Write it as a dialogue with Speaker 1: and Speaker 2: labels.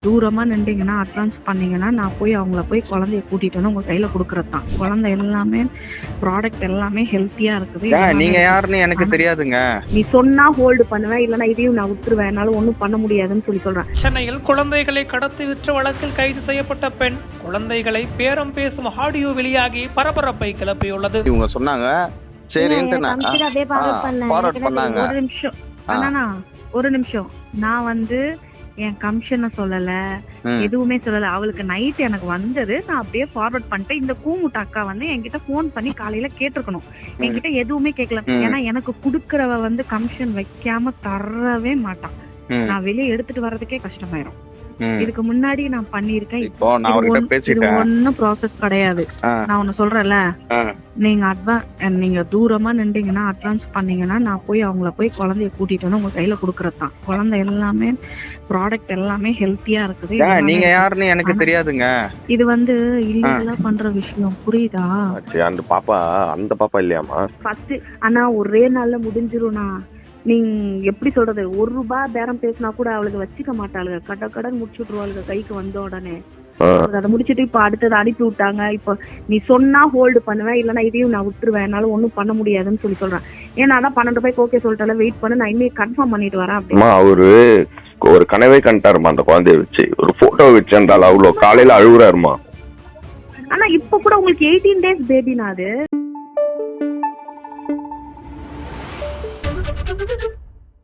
Speaker 1: தூரமா நின்றீங்கன்னா அட்வான்ஸ் பண்ணீங்கன்னா நான் போய் அவங்கள போய் குழந்தைய கூட்டிட்டு வந்து உங்க கையில கொடுக்கறது தான். குழந்தை எல்லாமே ப்ராடக்ட் எல்லாமே ஹெல்த்தியா இருக்குது.
Speaker 2: நீங்க யாருன்னு எனக்கு தெரியாதுங்க.
Speaker 1: நீ சொன்னா ஹோல்டு பண்ணுவேன், இல்லைன்னா இதையும் நான் விட்டுருவேன், என்னால ஒன்றும் பண்ண முடியாதுன்னு சொல்றேன்.
Speaker 3: சென்னையில் குழந்தைகளை கடத்தி விற்ற வழக்கில் கைது செய்யப்பட்ட பெண் குழந்தைகளை பேரம் பேசும் ஆடியோ வெளியாகி பரபரப்பை கிளப்பியுள்ளது.
Speaker 2: இவங்க சொன்னாங்க சரின்ட்டு நான் ஃபார்வர்ட் பண்ணாங்க.
Speaker 1: ஒரு நிமிஷம் நான் என் கமிஷனை சொல்லல, எதுவுமே சொல்லல. அவளுக்கு நைட் எனக்கு வந்தது, நான் அப்படியே ஃபார்வர்ட் பண்ணிட்டேன். இந்த கூமுட்ட அக்கா என்கிட்ட போன் பண்ணி காலையில கேட்டிருக்கணும், என்கிட்ட எதுவுமே கேட்கல. ஏன்னா எனக்கு குடுக்கறவ கமிஷன் வைக்காம தரவே மாட்டான். நான் வெளியே எடுத்துட்டு வர்றதுக்கே கஷ்டமாயிரும். இதுக்கு முன்னாடி நான் பண்ணிருக்கேன்.
Speaker 2: இப்போ நான் அவர்கிட்ட பேசிட்டேன்.
Speaker 1: ஒன்னும் ப்ராசஸ் கிடையாது. நான் ஒன்னு சொல்றேன்ல, நீங்க தூரமா நின்றீங்கன்னா அட்வான்ஸ் பண்ணீங்கன்னா நான் போய் அவங்கள போய் குழந்தைய கூட்டிட்டு வந்து உங்க கையில கொடுக்கறது தான். குழந்தை எல்லாமே ப்ராடக்ட் எல்லாமே ஹெல்த்தியா இருக்குது.
Speaker 2: நீங்க யாருன்னு எனக்கு தெரியாதுங்க.
Speaker 1: இது இல்லீகலா பண்ற விஷயம், புரியுதா?
Speaker 4: அந்த பாப்பா இல்லையாமா?
Speaker 1: ஃபர்ஸ்ட் ஆனா ஒரே நாள்ல முடிஞ்சிரும்னா, நீங்க எப்படி சொல்றது, ₹1 பேரம் பேசினா கூட அவளுக்கு வச்சுக்க மாட்டாளுங்க. கடன் முடிச்சு விட்டுருவாளுங்க கைக்கு வந்த உடனே. அதை முடிச்சுட்டு இப்ப அடுத்தது அனுப்பி விட்டாங்க. இப்ப நீ சொன்னா ஹோல்டு பண்ணுவேன், இல்லைன்னா இதையும் நான் விட்டுருவேன், என்னால ஒன்னும் பண்ண முடியாதுன்னு சொல்றேன். ஏன்னா அதான் 12 ரூபாய்க்கு ஓகே சொல்லிட்டால, வெயிட் பண்ணு, நான் இனிமே கன்ஃபார்ம் பண்ணிட்டு வரேன் அப்படின்னு.
Speaker 4: அவரு ஒரு கனவே கண்டாருமா அந்த குழந்தைய வச்சு, ஒரு போட்டோ வச்சிருந்தாலும் அவ்வளவு காலையில அழுகுறாருமா.
Speaker 1: ஆனா இப்ப கூட உங்களுக்கு 18 days பேபினா அது